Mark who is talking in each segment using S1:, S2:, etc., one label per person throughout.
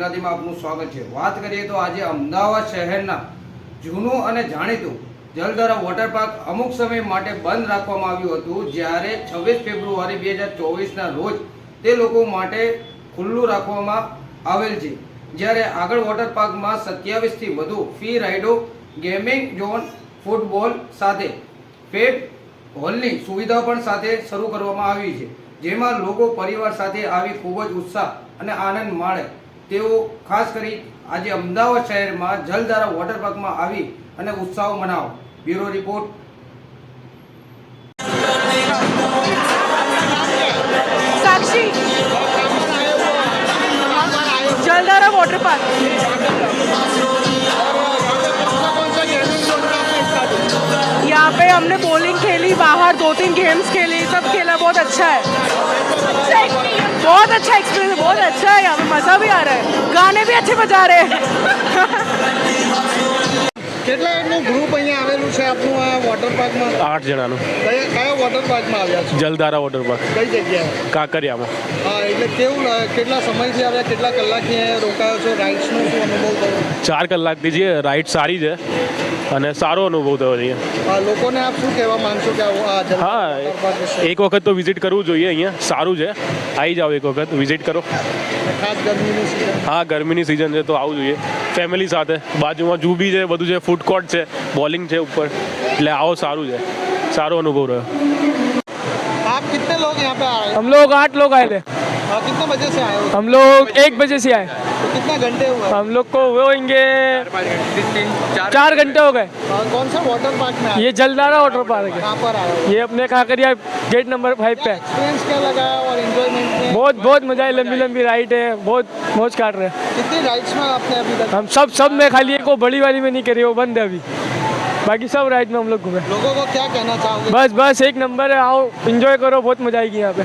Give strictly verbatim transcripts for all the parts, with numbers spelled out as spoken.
S1: ગુજરાતીમાં આપનું સ્વાગત છે। વાત કરીએ તો આજે અમદાવાદ શહેરના જૂનું અને જાણીતું જલધારા વોટર પાર્ક અમુક સમય માટે બંધ રાખવામાં આવ્યું હતું, જ્યારે છવ્વીસ ફેબ્રુઆરી બે હજાર ચોવીસના રોજ તે લોકો માટે ખુલ્લું રાખવામાં આવેલ છે। જ્યારે આગળ વોટર પાર્કમાં સત્યાવીસથી વધુ ફી રાઇડો, ગેમિંગ ઝોન, ફૂટબોલ સાથે પેટ હોલની સુવિધાઓ પણ સાથે શરૂ કરવામાં આવી છે, જેમાં લોકો પરિવાર સાથે આવી ખૂબ જ ઉત્સાહ અને આનંદ માણે તેઓ ખાસ કરી આજે અમદાવાદ શહેરમાં જલધારા વોટર પાર્કમાં આવી અને ઉત્સાહ મનાવો। Bureau report.
S2: साक्षी, जलधारा वाटर पार्क। यहाँ पे हमने बॉलिंग खेली, बाहर दो तीन गेम्स खेली, सब खेला, बहुत अच्छा है, बहुत अच्छा एक्सपीरियंस, बहुत अच्छा है। यहाँ पे मज़ा भी आ रहा है, गाने भी अच्छे बजा रहे हैं।
S3: કેટલાનું ગ્રુપ અહીંયા આવેલું છે આપનું આ વોટર પાર્કમાં?
S4: આઠ જણાનું।
S3: કયા કયા વોટર પાર્કમાં આવ્યા છો?
S4: જલધારા વોટર પાર્ક,
S3: કઈ જગ્યાએ?
S4: કાંકરિયામાં।
S3: હા, એટલે કેવું લાગે? કેટલા સમયથી આવ્યા, કેટલા કલાકથી અહીંયા રોકાયો છો? રાઇડ્સનો શું અનુભવ થયો?
S4: ચાર કલાકથી જે રાઈડ સારી છે અને સારો અનુભવ થયો અહીંયા।
S3: હા, લોકોને આપ શું કહેવા માંગશો કે આ આ જલધારા
S4: હા,
S3: વોટર પાર્ક વિશે?
S4: એક વખત તો વિઝિટ કરવું જોઈએ, અહીંયા સારું છે, આવી જાઓ, એક વખત વિઝિટ કરો।
S3: ખાસ ગરમીની સિઝન?
S4: હા, ગરમીની સિઝન છે તો આવવું જોઈએ ફેમિલી સાથે। બાજુમાં જૂ બી છે, બધું છે, ફૂડ કોર્ટ છે, બોલિંગ છે ઉપર, એટલે આવો, સારું છે, સારો અનુભવ રહ્યો।
S3: आप कितने लोग यहाँ पे आए?
S5: हम लोग आठ लोग आए थे।
S3: हाँ, कितने बजे से आए हो?
S5: हम लोग एक बजे से आए।
S3: तो कितना घंटे हुए?
S5: हम लोग को वो होंगे चार घंटे हो गए।
S3: हाँ, कौन सा वाटर पार्क में आए?
S5: ये जलधारा वाटर पार्क है,
S3: कहाँ पर आए हो?
S5: ये अपने कांकरिया गेट नंबर फाइव पे है।
S3: एक्सपीरियंस क्या लगा और एंजॉयमेंट में?
S5: बहुत बहुत मजा है, लंबी लंबी राइड है, बहुत मौज काट रहे हैं
S3: कितनी राइड्स में आपने अभी तक?
S5: हम। सब सब में, खाली एक वो बड़ी वाली में नहीं करी, वो बंद है अभी, बाकी सब राइड में हम लोग घूमे।
S3: लोगों को क्या कहना चाहोगे?
S5: बस बस एक नंबर है, आओ एंजॉय करो, बहुत मजा आएगी यहाँ पे।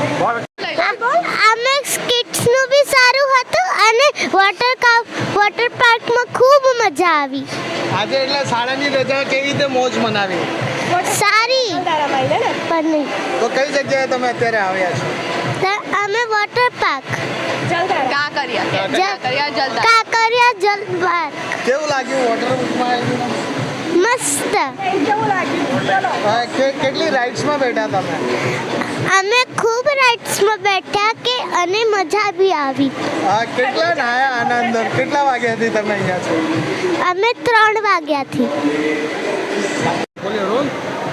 S6: અમે કિડ્સનું બી સારું હતું અને વોટર વોટર પાર્કમાં ખૂબ મજા આવી।
S3: આજે એટલે શાળાની રજા કેવી રીતે મોજ મનાવી?
S6: સારી પણ નહીં
S3: તો કઈ જગ્યાએ તમે અત્યારે આવ્યા છો?
S6: તો અમે water park
S2: Kankaria Kankaria Jaldhara
S6: Kankaria Jal park
S3: કેવું લાગ્યું વોટર પાર્કમાં આવીને?
S6: મસ્ત।
S3: હા, કે- કેટલી રાઇડ્સમાં બેઠા તમે?
S6: અમે ખૂબ રાઇડ્સમાં બેઠા કે અને મજા બી આવી।
S3: હા, કેટલા નાયા આના અંદર? કેટલા વાગ્યાથી તમે અહીંયા છો?
S6: અમે ત્રણ વાગ્યાથી।
S3: બોલ્યો રોલ।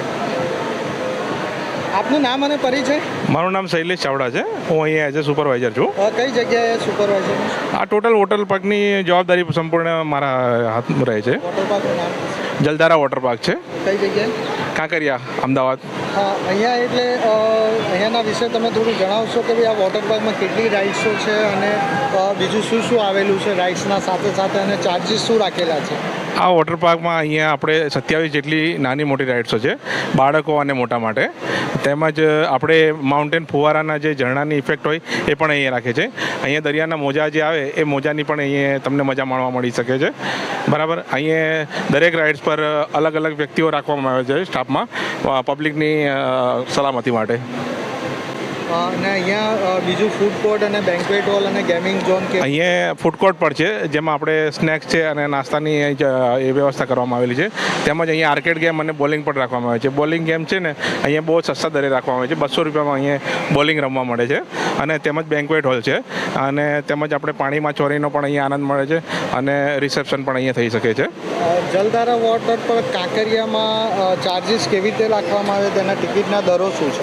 S3: આપનું નામ અને પરિચય?
S7: મારું નામ શૈલેષ ચાવડા છે, હું અહીંયા એઝ અ સુપરવાઇઝર છું।
S3: અ, કઈ જગ્યાએ સુપરવાઇઝર?
S7: આ ટોટલ વોટર પાર્કની જવાબદારી સંપૂર્ણ મારા હાથમાં રહે છે।
S3: વોટર પાર્કનું નામ
S7: જલધારા વોટર પાર્ક છે,
S3: કઈ જગ્યાએ?
S7: કાંકરિયા, અમદાવાદ।
S3: હા, અહીંયા એટલે અ, અહીંયાના વિશે તમે થોડું જણાવશો કે ભાઈ આ વોટર પાર્કમાં કેટલી રાઇડ્સો છે અને અ, બીજું શું શું આવેલું છે રાઇડ્સના સાથે સાથે, અને ચાર્જીસ શું રાખેલા છે?
S7: આ વોટર પાર્કમાં અહીંયા આપણે સત્યાવીસ જેટલી નાની મોટી રાઇડ્સો છે, બાળકો અને મોટા માટે। તેમજ આપણે માઉન્ટેન ફુવારાના જે ઝરણાની ઇફેક્ટ હોય એ પણ અહીંયા રાખે છે। અહીંયા દરિયાના મોજા જે આવે એ મોજાની પણ અહીંયા તમને મજા માણવા મળી શકે છે, બરાબર। અહીંયા દરેક રાઇડ્સ પર અલગ અલગ વ્યક્તિઓ રાખવામાં આવે છે સ્ટાફમાં, પબ્લિકની સલામતી માટે।
S3: અ, અને અહીંયા અ, બીજું ફૂડ કોર્ટ અને બેન્ક્વેટ હોલ અને ગેમિંગ ઝોન કે
S7: અહીંયા ફૂડ કોર્ટ પણ છે, જેમાં આપણે સ્નેક્સ છે અને નાસ્તાની અહીં જ એ વ્યવસ્થા કરવામાં આવેલી છે। તેમજ અહીંયા આર્કેડ ગેમ અને બોલિંગ પણ રાખવામાં આવે છે। બોલિંગ ગેમ છે ને અહીંયા બહુ સસ્તા દરે રાખવામાં આવે છે, બસો રૂપિયામાં અહીંયા બોલિંગ રમવા મળે છે। અને તેમજ બેન્ક્વેટ હોલ છે, અને તેમજ આપણે પાણીમાં ચોરીનો પણ અહીંયા આનંદ મળે છે, અને રિસેપ્શન પણ અહીંયા થઈ શકે છે।
S3: અ, જલધારા વોટર પર કાંકરિયામાં ચાર્જીસ કેવી રીતે રાખવામાં આવે, તેના ટિકિટના દરો શું છે?